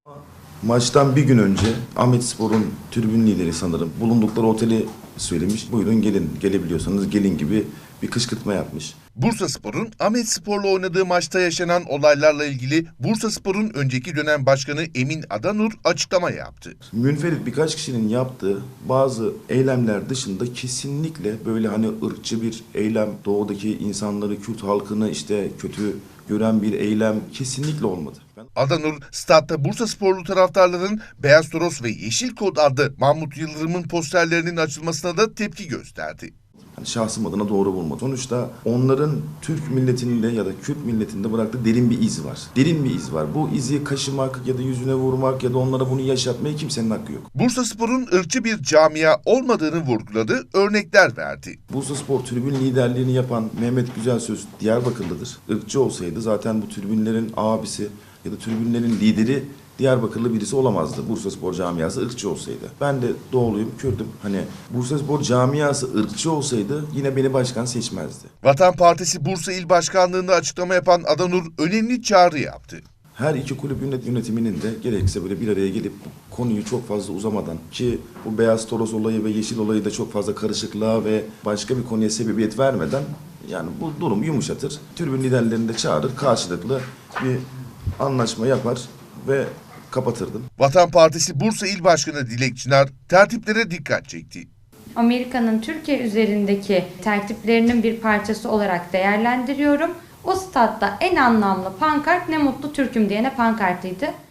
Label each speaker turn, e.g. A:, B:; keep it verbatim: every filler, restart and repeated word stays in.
A: Maçtan bir gün önce Ahmetspor'un tribün lideri sanırım bulundukları oteli söylemiş. Buyurun gelin, gelebiliyorsanız gelin gibi bir kışkırtma yapmış.
B: Bursaspor'un Ahmetspor'la oynadığı maçta yaşanan olaylarla ilgili Bursaspor'un önceki dönem başkanı Emin Adanur açıklama yaptı.
A: Münferit birkaç kişinin yaptığı bazı eylemler dışında kesinlikle böyle hani ırkçı bir eylem, doğudaki insanları, Kürt halkını işte kötü gören bir eylem kesinlikle olmadı. Ben...
B: Adanur, statta Bursasporlu taraftarların Beyaz Toros ve Yeşil Kod adlı Mahmut Yıldırım'ın posterlerinin açılmasına da tepki gösterdi.
A: Yani şahsım adına doğru bulmadı. Sonuçta onların Türk milletinde ya da Kürt milletinde bıraktığı derin bir iz var. Derin bir iz var. Bu izi kaşımak ya da yüzüne vurmak ya da onlara bunu yaşatmaya kimsenin hakkı yok.
B: Bursaspor'un ırkçı bir camia olmadığını vurguladı, örnekler verdi.
A: Bursaspor tribün liderliğini yapan Mehmet Güzelsöz Diyarbakırlıdır. Irkçı olsaydı zaten bu tribünlerin abisi ya da tribünlerin lideri Diyarbakırlı birisi olamazdı. Bursaspor camiası ırkçı olsaydı. Ben de doğuluyum, Kürt'üm. Hani Bursaspor camiası ırkçı olsaydı yine beni başkan seçmezdi.
B: Vatan Partisi Bursa İl Başkanlığı'nda açıklama yapan Adanur önemli çağrı yaptı.
A: Her iki kulüp yönetiminin de gerekirse böyle bir araya gelip konuyu çok fazla uzamadan, ki bu Beyaz Toros olayı ve Yeşil olayı da çok fazla karışıklığa ve başka bir konuya sebebiyet vermeden yani bu durumu yumuşatır. Tribün liderlerini de çağırır, karşılıklı bir anlaşma yapar ve kapatırdım.
B: Vatan Partisi Bursa İl Başkanı Dilek Çınar tertiplere dikkat çekti.
C: Amerika'nın Türkiye üzerindeki tertiplerinin bir parçası olarak değerlendiriyorum. O statta en anlamlı pankart "Ne mutlu Türk'üm" diyene pankartıydı.